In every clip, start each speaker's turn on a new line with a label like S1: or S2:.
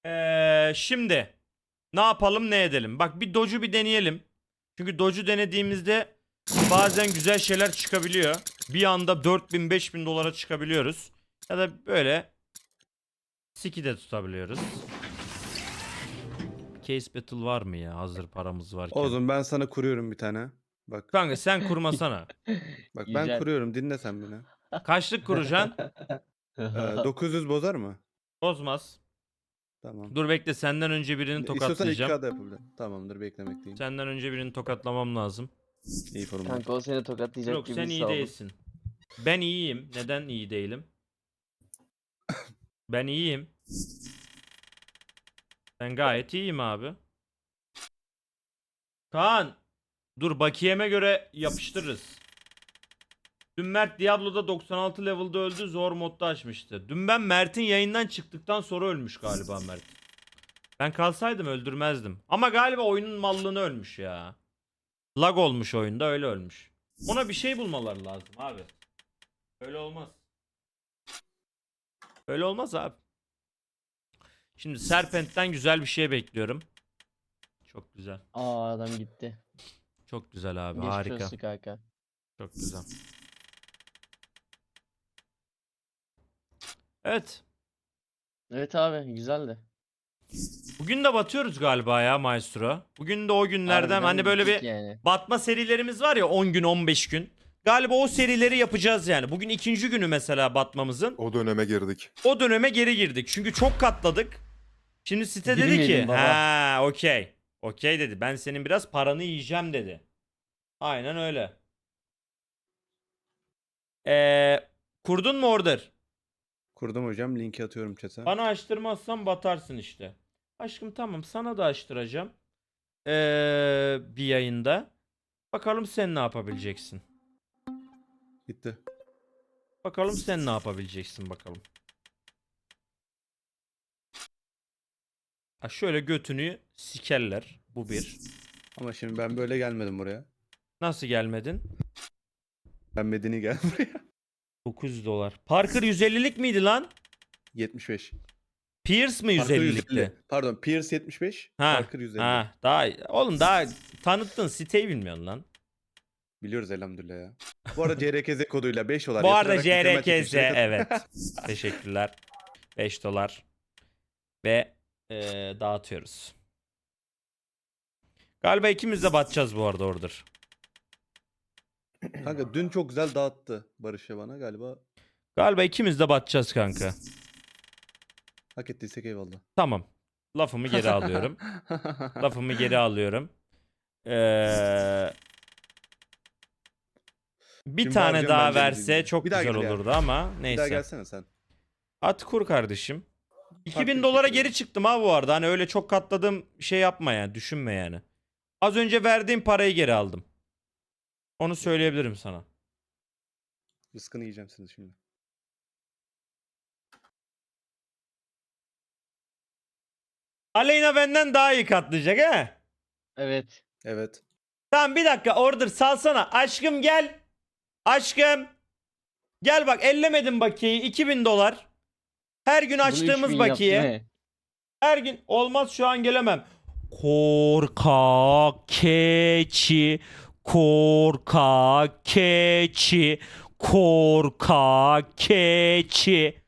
S1: Şimdi ne yapalım ne edelim? Bak bir Doge'u bir deneyelim. Çünkü Doge'u denediğimizde bazen güzel şeyler çıkabiliyor. Bir anda 4000-5000 dolara çıkabiliyoruz. Ya da böyle Siki de tutabiliyoruz. Case Battle var mı ya hazır paramız varken?
S2: Oğlum ben sana kuruyorum bir tane. Bak.
S1: Kanka sen kurmasana.
S2: Bak ben
S3: Güzel.
S2: kuruyorum, dinle sen beni.
S1: Kaçlık kuracaksın?
S2: 900 bozar mı?
S1: Bozmaz.
S2: Tamam.
S1: Dur bekle senden önce birini
S2: İstiyorsan
S1: tokatlayacağım.
S2: 2K da yapabilirim. Tamamdır, beklemekteyim.
S1: Senden önce birini tokatlamam lazım.
S2: İyi format.
S3: Kanka o seni tokatlayacak
S1: Yok
S3: gibi
S1: sen iyi
S3: sağ olun.
S1: değilsin. Ben iyiyim. Neden iyi değilim? Ben iyiyim. Ben gayet iyiyim abi. Kaan. Dur bakiyeme göre yapıştırırız. Dün Mert Diablo'da 96 level'da öldü. Zor modda açmıştı. Dün ben Mert'in yayından çıktıktan sonra ölmüş galiba Mert. Ben kalsaydım öldürmezdim. Ama galiba oyunun mallığını ölmüş ya. Lag olmuş oyunda öyle ölmüş. Ona bir şey bulmaları lazım abi. Öyle olmaz. Öyle olmaz abi. Şimdi Serpent'ten güzel bir şey bekliyorum. Çok güzel.
S3: Aa adam gitti.
S1: Çok güzel abi.
S3: Geçmiş
S1: Harika.
S3: olsun kanka.
S1: Çok güzel. Evet.
S3: Evet abi güzeldi.
S1: Bugün de batıyoruz galiba ya Maestro. Bugün de o günlerden
S3: Harbiden
S1: hani böyle
S3: bittik
S1: bir
S3: yani.
S1: batma serilerimiz var ya 10 gün 15 gün. Galiba o serileri yapacağız yani. Bugün ikinci günü mesela batmamızın.
S4: O döneme girdik.
S1: O döneme geri girdik. Çünkü çok katladık. Şimdi site dedi ki
S3: Girmeyelim baba.
S1: ha okey. Okey dedi. Ben senin biraz paranı yiyeceğim dedi. Aynen öyle. Kurdun mu order?
S2: Kurdum hocam, linki atıyorum chat'e.
S1: Bana açtırmazsan batarsın işte. Aşkım tamam sana da açtıracağım. Bir yayında. Bakalım sen ne yapabileceksin.
S2: Gitti.
S1: Bakalım sen ne yapabileceksin bakalım. Ha şöyle götünü sikerler. Bu bir.
S2: Ama şimdi ben böyle gelmedim buraya.
S1: Nasıl gelmedin?
S2: Ben medeni gel buraya.
S1: 900 dolar. Parker 150'lik miydi lan?
S2: 75.
S1: Pierce mi
S2: Parker
S1: 150'likti?
S2: Pardon, Pierce 75.
S1: Ha.
S2: Parker 150.
S1: Ha, daha oğlum daha tanıttın siteyi bilmiyorsun lan.
S2: Biliyoruz elhamdülillah ya. Bu arada CRKZ koduyla 5 dolar
S1: Bu arada
S2: yatırarak mükemmel
S1: JRKZ
S2: çekilişlere katılın.
S1: evet. Teşekkürler. 5 dolar. Ve dağıtıyoruz. Galiba ikimiz de batacağız bu arada order.
S2: Kanka dün çok güzel dağıttı Barış'a bana galiba.
S1: Galiba ikimiz de batacağız kanka.
S2: Hak ettiysek eyvallah.
S1: Tamam. Lafımı geri alıyorum. Lafımı geri alıyorum. Bir
S2: Şimdi
S1: tane
S2: bağıracağım,
S1: daha
S2: ben de
S1: verse
S2: dinleyeyim.
S1: çok
S2: Bir daha
S1: güzel
S2: gel ya.
S1: olurdu ama
S2: Bir daha
S1: neyse.
S2: gelsene sen.
S1: At kur kardeşim.
S2: Farklı
S1: 2000
S2: bir
S1: dolara
S2: şekilde.
S1: geri çıktım ha bu arada. Hani öyle çok katladığım şey yapma yani. Düşünme yani. Az önce verdiğim parayı geri aldım. Onu söyleyebilirim sana.
S2: Rızkını yiyeceğim seni şimdi.
S1: Aleyna benden daha iyi katlayacak he.
S3: Evet.
S2: Evet.
S1: Tamam bir dakika order salsana. Aşkım gel. Aşkım. Gel bak ellemedim bakiyeyi 2000 dolar. Her gün
S3: Bunu
S1: açtığımız
S3: 3000 yaptı
S1: bakiye.
S3: ne?
S1: Her gün olmaz şu an gelemem. Korkak keçi. Korkak keçi. Korkak keçi.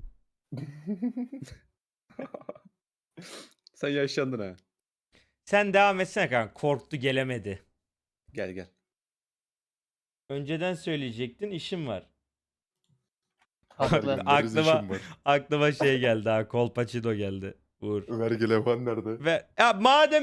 S2: Sen yaşlandın ha.
S1: Sen devam etsene kanka. Korktu gelemedi.
S2: Gel gel.
S1: Önceden söyleyecektin işim var.
S3: Haklı.
S4: Gündüz
S1: Aklıma-
S4: işim var.
S1: Aklıma şey geldi ha. Kolpaçino geldi. Uğur.
S4: Vergi levhan nerede?
S1: Ve ya madem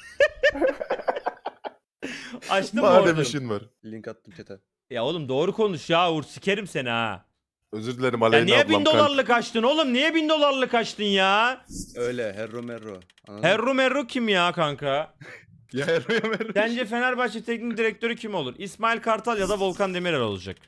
S1: açtın mı
S4: Madem
S1: orada?
S4: işin var.
S2: Link attım chat'e.
S1: Ya oğlum doğru konuş ya Uğur sikerim seni ha.
S4: Özür dilerim
S1: Ya
S4: Aleyna
S1: niye
S4: ablam.
S1: 1000 dolarlık açtın oğlum? Niye 1000 dolarlık açtın ya?
S2: Öyle Herro Merro. Anladın mı?
S1: Herru Merru kim ya kanka?
S4: Ya Erro'ya Merro.
S1: Sence Fenerbahçe teknik direktörü kim olur? İsmail Kartal ya da Volkan Demirel olacak.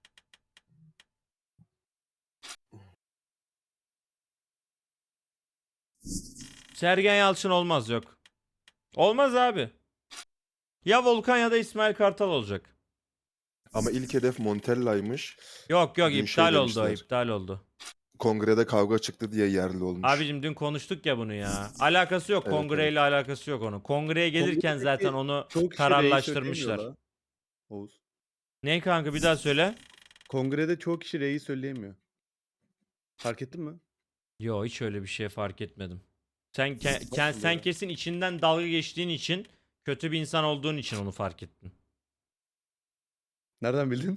S1: Sergen Yalçın olmaz yok. Olmaz abi. Ya Volkan ya da İsmail Kartal olacak.
S4: Ama ilk hedef Montella'ymış.
S1: Yok
S4: Dün
S1: iptal
S4: şey
S1: oldu o,
S4: demişler.
S1: iptal oldu.
S4: kongrede kavga çıktı diye yerli olmuş.
S1: Abicim dün konuştuk ya bunu ya. Alakası yok.
S4: Evet,
S1: Kongreyle alakası yok onun. Kongreye gelirken
S2: Kongredeki
S1: zaten onu
S2: Çok kişi reis
S1: kararlaştırmışlar.
S2: söyleyemiyor la. Oğuz.
S1: Ne kanka bir daha söyle.
S2: Kongrede çoğu kişi reis söyleyemiyor. Fark ettin mi?
S1: Yo hiç öyle bir şey fark etmedim. Sen
S2: Nasıl
S1: sen
S2: ya?
S1: kesin içinden dalga geçtiğin için, kötü bir insan olduğun için onu fark ettin.
S2: Nereden bildin?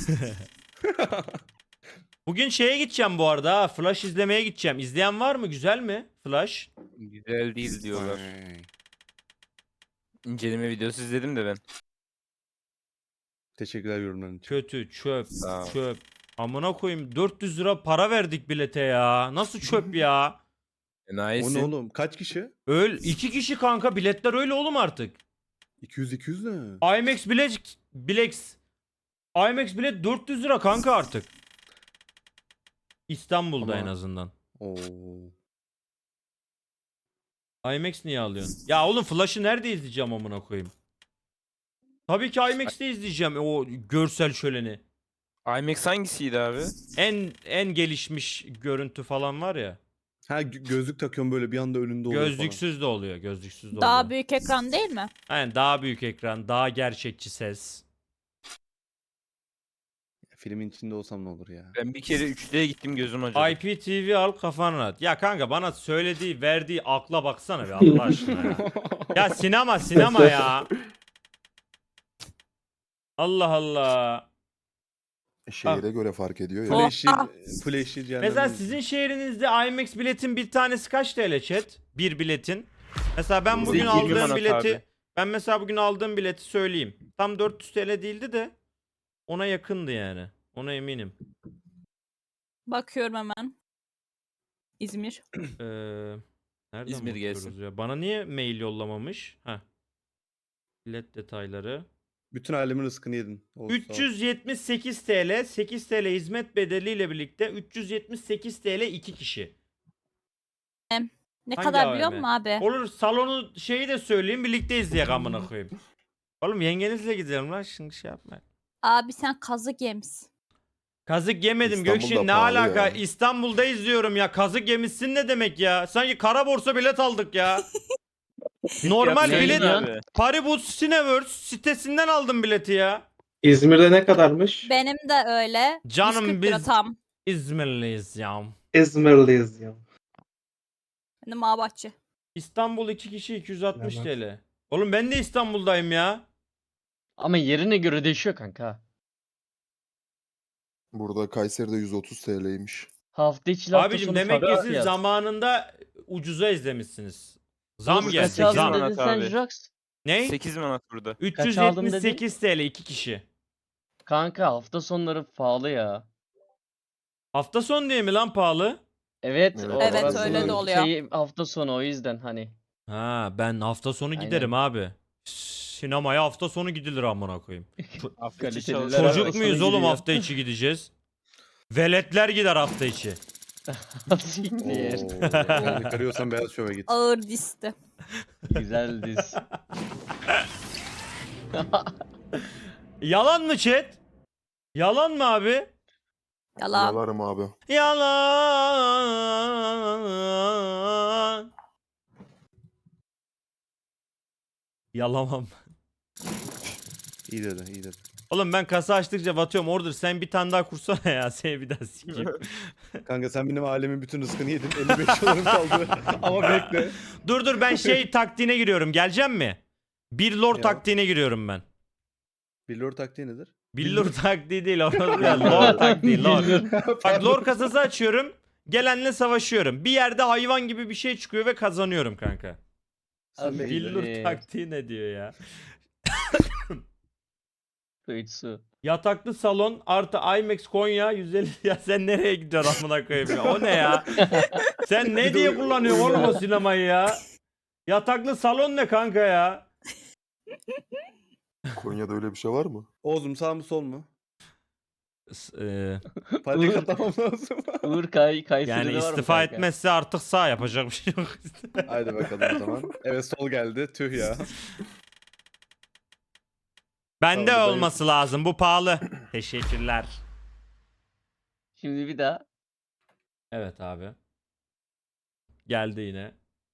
S1: Bugün şeye gideceğim bu arada ha. Flash izlemeye gideceğim. İzleyen var mı? Güzel mi? Flash.
S5: Güzel değil diyorlar.
S2: Vay.
S5: İnceleme videosu izledim de ben.
S2: Teşekkürler yorumların için.
S1: Kötü, çöp,
S5: Sağ ol.
S1: çöp. Amına koyayım 400 lira para verdik bilete ya. Nasıl çöp ya?
S2: O
S5: Enayisin.
S2: ne oğlum? Kaç kişi?
S1: İki kişi kanka biletler öyle oğlum artık.
S2: 200 ne?
S1: IMAX IMAX bilet 400 lira kanka artık. İstanbul'da
S2: Ama-
S1: en azından.
S2: Oo.
S1: IMAX niye alıyorsun? Ya oğlum Flash'ı nerede izleyeceğim amına koyayım? Tabii ki IMAX'te izleyeceğim o görsel şöleni.
S5: IMAX hangisiydi abi?
S1: En gelişmiş görüntü falan var ya.
S2: Ha gözlük takıyorum böyle bir anda önünde oluyor
S1: Gözlüksüz de oluyor, gözlüksüz de
S6: Daha
S1: oluyor.
S6: büyük ekran değil mi?
S1: Aynen daha büyük ekran, daha gerçekçi ses.
S2: falan. Filmin içinde olsam ne olur ya?
S5: Ben bir kere 3D'ye gittim gözüm acıdı.
S1: IPTV al kafan rahat. Ya kanka bana söylediği, verdiği akla baksana be Allah aşkına ya. Ya sinema ya. Allah Allah.
S4: Şehire göre fark ediyor ya.
S2: Full HD cehennem.
S1: Mesela sizin şehrinizde IMAX biletin bir tanesi kaç TL chat? Bir biletin. Mesela ben
S5: Bizde
S1: bugün
S5: 20
S1: aldığım
S5: manat
S1: bileti
S5: abi.
S1: ben mesela bugün aldığım bileti söyleyeyim. Tam 400 TL değildi de ona yakındı yani. Ona eminim.
S6: Bakıyorum hemen. İzmir.
S1: Nereden
S5: İzmir
S1: bakıyoruz
S5: gelsin.
S1: ya? Bana niye mail yollamamış? Heh. Bilet detayları.
S2: Bütün alemin rızkını yedin. Oğuz, sağ ol.
S1: 378 TL, 8 TL hizmet bedeliyle birlikte 378 TL 2 kişi.
S6: Ne
S1: Hangi
S6: kadar biliyor
S1: AVM?
S6: musun abi?
S1: Olur salonu şeyi de söyleyeyim birlikte izleyek amına koyayım. Oğlum yengenizle gidelim lan şimdi şey yapma.
S6: Abi sen kazık yemişsin.
S1: Kazık yemedim
S4: İstanbul'da
S1: Gökşin ne
S4: pahalı
S1: alaka?
S4: ya.
S1: İstanbul'da izliyorum ya. Kazık yemişsin ne demek ya? Sanki kara borsa bilet aldık ya. Normal
S3: Ne
S1: bilet
S3: diyorsun?
S5: Abi.
S1: Paribus Cineverse sitesinden aldım bileti ya.
S7: İzmir'de ne kadarmış?
S6: Benim de öyle.
S1: Canım
S6: 140 lira
S1: biz
S6: tam.
S1: İzmirliyiz ya.
S7: İzmirliyiz ya.
S6: Benim Ağabahçe.
S1: İstanbul 2 kişi 260
S7: Evet.
S1: TL. Oğlum ben de İstanbul'dayım ya.
S3: Ama yerine göre değişiyor kanka.
S4: Burada Kayseri'de 130 TL'ymiş.
S3: Hafta içi hafta
S1: Abicim
S3: sonu
S1: demek ki
S3: farklı
S1: siz
S3: fiyat.
S1: zamanında ucuza izlemişsiniz. Zam
S3: Oğlum,
S1: geldi
S3: kaç aldın
S1: zam.
S5: Manat
S3: dedin sen
S5: abi.
S3: Jirax?
S1: Ne?
S5: 8 manat burada.
S3: Kaç aldın dedin?
S1: 378 TL 2 kişi.
S3: Kanka hafta sonları pahalı ya.
S1: Hafta sonu diye mi lan pahalı?
S3: Evet,
S4: Evet,
S6: Evet,
S3: orası
S6: öyle de oluyor.
S3: hafta sonu o yüzden hani.
S1: Ha ben hafta sonu
S3: Aynen.
S1: giderim abi. Sinemaya hafta sonu gidilir amına koyayım.
S5: Hafta içi
S3: Kaliteliler
S5: çalışıyor.
S1: Çocuk
S3: hafta
S1: muyuz
S3: sonu
S1: oğlum
S3: gidiyor.
S1: hafta içi gideceğiz? Veletler gider hafta içi.
S3: Siktir.
S2: Oo. Karıyorsan beyaz şove git.
S6: Ağır disti.
S3: Güzel diz.
S1: Yalan mı chat? Yalan mı abi?
S6: Yalan.
S4: Yalarım abi.
S1: Yalan. Yalamam.
S2: İyi dedi, iyi dedi.
S1: Oğlum ben kasa açtıkça batıyorum. Order sen bir tane daha kursana ya. Seni bir daha sikeyim.
S2: Kanka sen benim alemin bütün rızkını yedin. 55 dolarım kaldı. Ama bekle.
S1: Dur ben şey taktiğine giriyorum. Geleceğim mi? Bir lore
S2: Ya.
S1: taktiğine giriyorum ben.
S2: Billur taktiği nedir?
S1: Bir lore taktiği değil. Lore taktiği. Lore. Bak lore kasası açıyorum. Gelenle savaşıyorum. Bir yerde hayvan gibi bir şey çıkıyor ve kazanıyorum kanka.
S2: Sen
S3: Abi,
S2: bekle.
S1: Billur taktiği ne diyor ya?
S3: Kuyutsu.
S1: Yataklı salon artı IMAX Konya 150 ya sen nereye gidiyorsun amına koyayım ya? O ne ya? Sen ne diye kullanıyorsun oğlum o sinemayı ya? Yataklı salon ne kanka ya?
S4: Konya'da öyle bir şey var mı?
S2: Oğuzum sağ mı sol mu?
S1: S-
S2: Panik atlamam lazım.
S3: Uğur Kayseri'de
S1: yani
S3: var mı
S1: istifa
S3: kanka?
S1: etmezse artık sağ yapacak bir şey yok.
S2: Haydi bakalım o zaman. Evet sol geldi. Tüh ya.
S1: Bende
S2: Tamam,
S1: olması lazım bu pahalı. Teşekkürler.
S3: Şimdi bir daha.
S1: Evet abi. Geldi yine.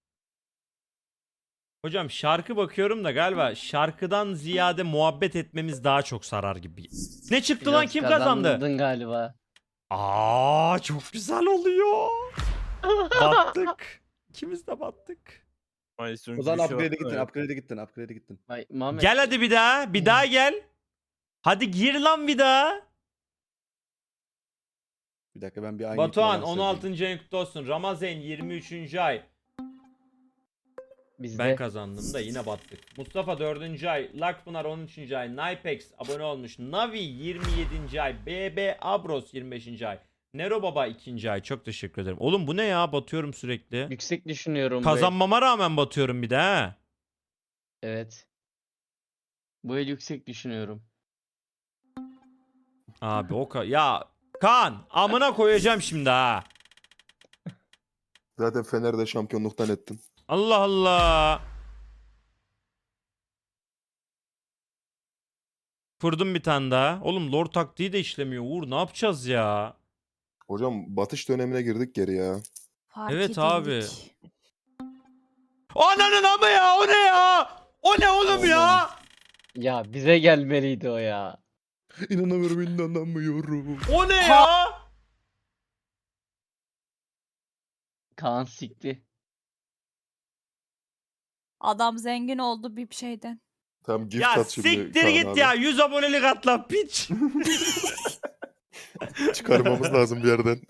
S1: Hocam şarkı bakıyorum da galiba şarkıdan ziyade muhabbet etmemiz daha çok sarar gibi. Ne çıktı lan,
S3: Biraz
S1: kim kazandı?
S3: kazandın galiba.
S1: Aa, çok güzel oluyor. Battık. İkimiz de battık.
S5: Mayıs'ın
S2: O zaman
S5: gülüşü
S2: upgrade'e
S5: var.
S2: gittin, upgrade'e gittin.
S3: Vay, Muhammed.
S1: Gel hadi bir daha. Bir daha gel. Hadi gir lan bir daha.
S2: Bir dakika ben bir aynı
S1: Batuhan
S2: ikna
S1: 16. ayın kutlu olsun. Ramazan 23. ay.
S3: Bizde.
S1: Ben kazandım da yine battık. Mustafa 4. ay. Lakpınar 13. ay. Nipex abone olmuş. Navi 27. ay. BB Abros 25. ay. Nero Baba 2. ay. Çok teşekkür ederim. Oğlum bu ne ya? Batıyorum sürekli.
S3: Yüksek düşünüyorum. bu el.
S1: Kazanmama rağmen batıyorum bir de ha.
S3: Evet. Bu el yüksek düşünüyorum.
S1: Abi ya Kaan amına koyacağım şimdi ha.
S4: Zaten Fener'de şampiyonluktan ettin.
S1: Allah Allah. Kurdum bir tane daha. Oğlum lore taktiği de işlemiyor. Uğur ne yapacağız ya?
S4: Hocam batış dönemine girdik geri ya.
S6: Fark
S1: Evet
S6: edildik.
S1: abi. Ananın ama ya, o ne ya? O ne oğlum ya?
S3: Ya bize gelmeliydi o ya.
S4: İnanamıyorum.
S1: O ne ya?
S3: Kaan sikti.
S6: Adam zengin oldu bir şeyden.
S4: Tamam gift
S1: Ya
S4: at şimdi
S1: siktir
S4: Kaan
S1: git
S4: abi.
S1: ya. 100 abonelik atla piç.
S4: Çıkarmamız lazım bir yerden.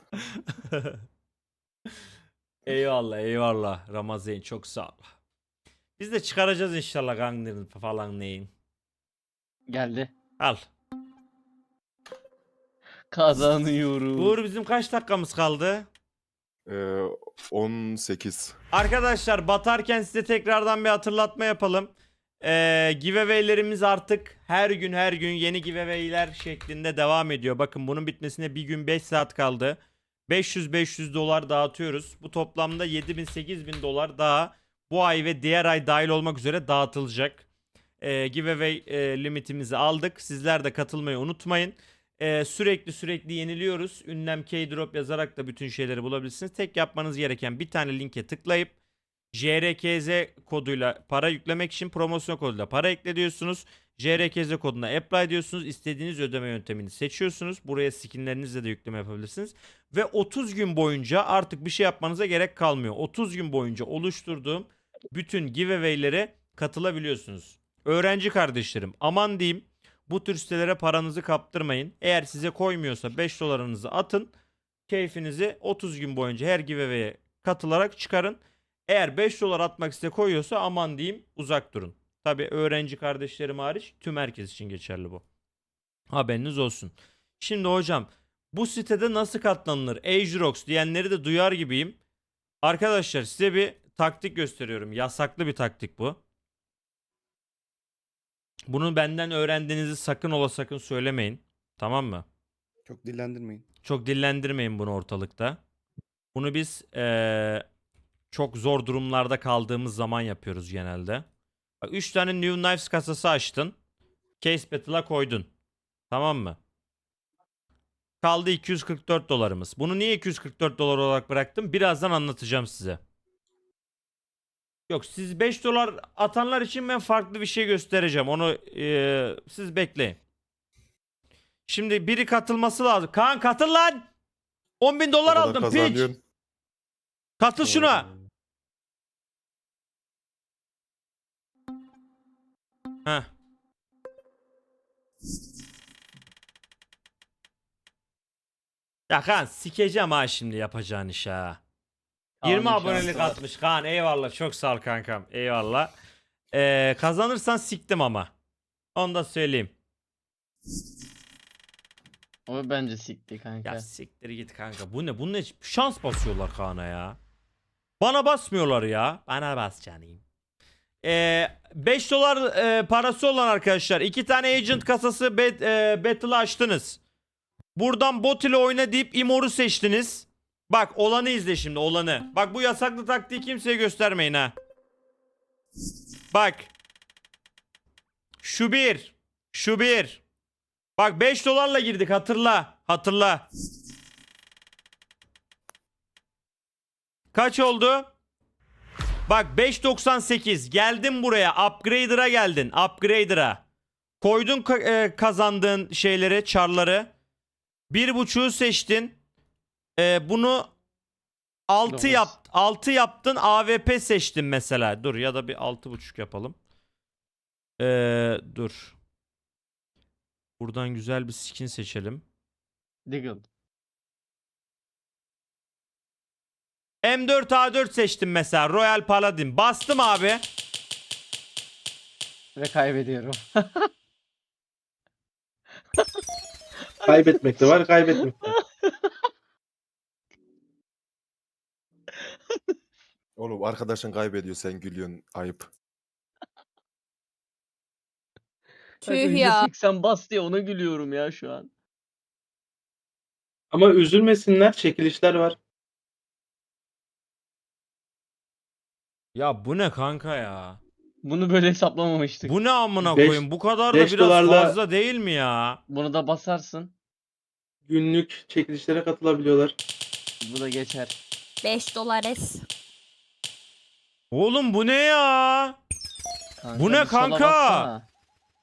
S1: Eyvallah eyvallah Ramazan, çok sağ ol. Biz de çıkaracağız inşallah Gangner'ın falan neyin.
S3: Geldi.
S1: Al.
S3: Kazanıyorum.
S1: Uğur bizim kaç dakikamız kaldı?
S4: 18.
S1: Arkadaşlar batarken size tekrardan bir hatırlatma yapalım. Giveaway'lerimiz artık her gün yeni giveaway'ler şeklinde devam ediyor. Bakın bunun bitmesine bir gün 5 saat kaldı. 500 dolar dağıtıyoruz. Bu toplamda 7.000 dolar daha bu ay ve diğer ay dahil olmak üzere dağıtılacak. Giveaway limitimizi aldık. Sizler de katılmayı unutmayın. Sürekli yeniliyoruz. Ünlem K-Drop yazarak da bütün şeyleri bulabilirsiniz. Tek yapmanız gereken bir tane linke tıklayıp JRKZ koduyla para yüklemek için promosyon koduyla para ekle diyorsunuz. JRKZ koduna apply diyorsunuz. İstediğiniz ödeme yöntemini seçiyorsunuz. Buraya skinlerinizle de yükleme yapabilirsiniz. Ve 30 gün boyunca artık bir şey yapmanıza gerek kalmıyor. 30 gün boyunca oluşturduğum bütün giveaway'lere katılabiliyorsunuz. Öğrenci kardeşlerim, aman diyeyim, bu tür sitelere paranızı kaptırmayın. Eğer size koymuyorsa 5 dolarınızı atın. Keyfinizi 30 gün boyunca her giveaway'e katılarak çıkarın. Eğer 5 dolar atmak size koyuyorsa aman diyeyim, uzak durun. Tabi öğrenci kardeşlerim hariç tüm herkes için geçerli bu. Haberiniz olsun. Şimdi hocam bu sitede nasıl katlanılır? Agerox diyenleri de duyar gibiyim. Arkadaşlar size bir taktik gösteriyorum. Yasaklı bir taktik bu. Bunu benden öğrendiğinizi sakın ola sakın söylemeyin. Tamam mı?
S2: Çok dillendirmeyin.
S1: Çok dillendirmeyin bunu ortalıkta. Bunu biz çok zor durumlarda kaldığımız zaman yapıyoruz genelde. Bak 3 tane New Knives kasası açtın. Case Battle'a koydun. Tamam mı? Kaldı 244 dolarımız. Bunu niye 244 dolar olarak bıraktım? Birazdan anlatacağım size. Yok, siz 5 dolar atanlar için ben farklı bir şey göstereceğim. Onu siz bekleyin. Şimdi biri katılması lazım. Kaan katıl lan. 10.000 dolar
S4: O kadar
S1: aldım piç.
S4: kazanıyorsun.
S1: Katıl şuna. Heh. Ya Kaan sikeceğim ha şimdi yapacağın iş ha. 20
S3: Kaan'ın
S1: abonelik
S3: şansı var.
S1: atmış Kaan, eyvallah, çok sağ ol kankam, eyvallah. Kazanırsan siktim ama. Onu da söyleyeyim.
S3: O bence sikti kanka.
S1: Ya siktir git kanka, bu ne, bu ne şans basıyorlar Kaan'a ya. Bana basmıyorlar ya. Bana bas canım. 5 dolar parası olan arkadaşlar 2 tane agent kasası battle açtınız. Buradan bot ile oyna deyip Imor'u seçtiniz. Bak olanı izle şimdi, olanı. Bak bu yasaklı taktiği kimseye göstermeyin ha. Bak. Şu bir. Şu bir. Bak 5 dolarla girdik, hatırla. Hatırla. Kaç oldu? Bak 5.98. Geldin buraya. Upgrader'a geldin. Upgrader'a. Koydun kazandığın şeyleri, çarları. 1.5'u seçtin. Bunu 6
S3: Dokuz.
S1: yap 6 yaptın. AWP seçtin mesela. Dur ya da bir 6.5 yapalım. Dur. Buradan güzel bir skin seçelim.
S3: Diggle.
S1: M4A4 seçtim mesela. Royal Paladin. Bastım abi.
S3: Ve kaybediyorum.
S7: Kaybetmek de var, kaybetmek de.
S4: Oğlum arkadaşın kaybediyor sen gülüyorsun. Ayıp.
S6: Tüh ya.
S3: %80 bas diye ona gülüyorum ya şu an.
S7: Ama üzülmesinler, çekilişler var.
S1: Ya bu ne kanka ya?
S3: Bunu böyle hesaplamamıştık.
S1: Bu ne amına
S7: Beş-
S1: koyayım? Bu kadar da
S7: 5
S1: biraz
S7: dolarla-
S1: fazla değil mi ya?
S3: Bunu da basarsın.
S7: Günlük çekilişlere katılabiliyorlar.
S3: Bu da geçer.
S6: 5 dolar.
S1: Oğlum bu ne ya?
S3: Kanka,
S1: Bu ne
S3: bir sola
S1: kanka?
S3: bassana.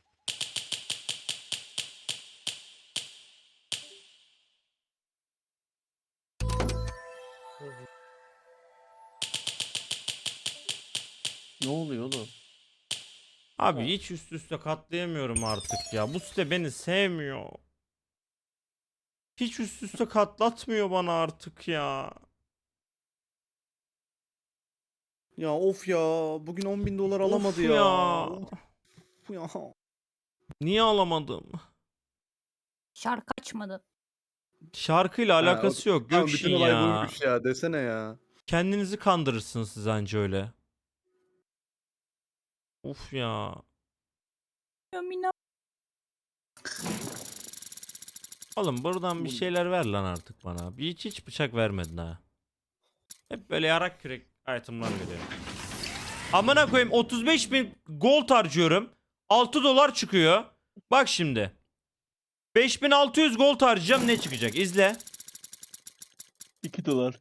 S3: Ne oluyor oğlum?
S1: Abi hiç üst üste katlayamıyorum artık ya. Bu site beni sevmiyor. Hiç üst üste katlatmıyor bana artık ya.
S2: Ya of ya. Bugün 10.000 dolar
S1: Of
S2: alamadı ya.
S1: ya.
S2: Of ya.
S1: Niye alamadım?
S6: Şarkı açmadın.
S1: Şarkıyla
S2: Ha,
S1: alakası yok.
S2: Tamam,
S1: Gökşin
S2: bütün olay
S1: ya.
S2: buymuş ya. Desene ya.
S1: Kendinizi kandırırsınız siz anca öyle. Of ya.
S6: Yamina.
S1: Oğlum buradan bir şeyler ver lan artık bana. Hiç bıçak vermedin ha. Hep böyle yarak kürek itemlar veriyor. Amına koyayım 35.000 gold harcıyorum. 6 dolar çıkıyor. Bak şimdi. 5.600 gold harcayacağım, ne çıkacak? İzle.
S3: 2 dolar.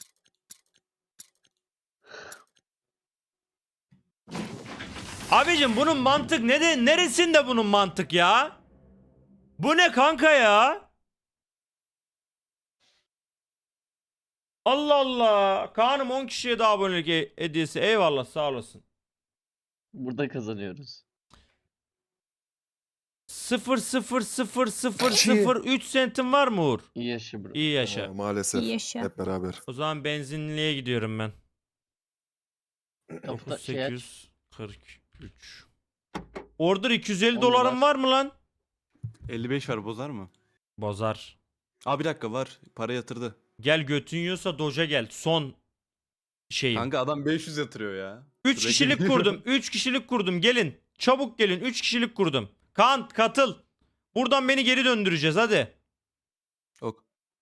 S1: Abicim bunun mantık neresinde bunun mantık ya? Bu ne kanka ya? Allah Allah. Kaan'ım 10 kişiye daha abonelik hediyesi. Eyvallah, sağ olasın.
S3: Burada kazanıyoruz.
S1: 0,00003 sentim var mı Uğur?
S3: İyi yaşa bro.
S1: İyi yaşa.
S4: Maalesef.
S6: İyi yaşa.
S4: Hep beraber.
S1: O zaman benzinliğe gidiyorum ben.
S3: Kapıda şey aç.
S1: 3843. Order 250
S3: 10
S1: dolarım
S3: dolar.
S1: var mı lan?
S8: 55 var, bozar mı?
S1: Bozar.
S8: Aa, bir dakika, var. Para yatırdı.
S1: Gel götün yiyorsa doja gel. Son şeyim.
S8: Kanka adam 500 yatırıyor ya.
S1: 3
S8: Sürekli
S1: kişilik
S8: gidiyor.
S1: kurdum. 3 kişilik kurdum. Gelin. Çabuk gelin. 3 kişilik kurdum. Kaan katıl. Buradan beni geri döndüreceğiz hadi.
S8: Ok.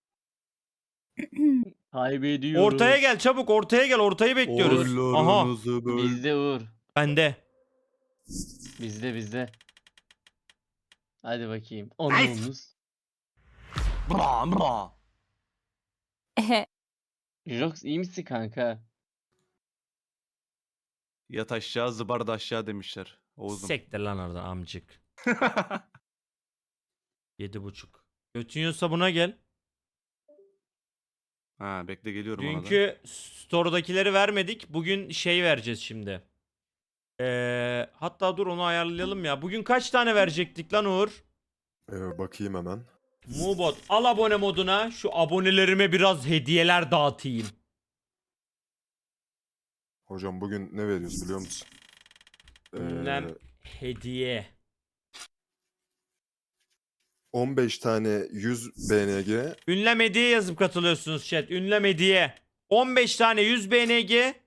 S3: Kaybediyoruz.
S1: Ortaya gel çabuk, ortaya gel. Ortayı bekliyoruz. Aha.
S8: Oylarınızı böl.
S3: Bizde Uğur.
S1: Bende.
S3: Bizde. Hadi bakayım. Onluğumuz.
S8: Bra bra.
S6: Ehe.
S3: Jox iyi misin kanka?
S8: Yat aşağı, zıbar da aşağı demişler. Oğuzum.
S1: Sektir lan oradan amcık. 7.5. Götün yiyorsa buna gel.
S8: Ha, bekle, geliyorum ona da.
S1: Dünkü store'dakileri vermedik. Bugün şey vereceğiz şimdi. Hatta dur onu ayarlayalım ya. Bugün kaç tane verecektik lan Uğur?
S4: Bakayım hemen.
S1: Mubot al abone moduna. Şu abonelerime biraz hediyeler dağıtayım.
S4: Hocam bugün ne veriyoruz biliyor musun?
S1: Ünlem hediye.
S4: 15 tane 100 BNG.
S1: Ünlem hediye yazıp katılıyorsunuz chat. Ünlem hediye. 15 tane 100 BNG.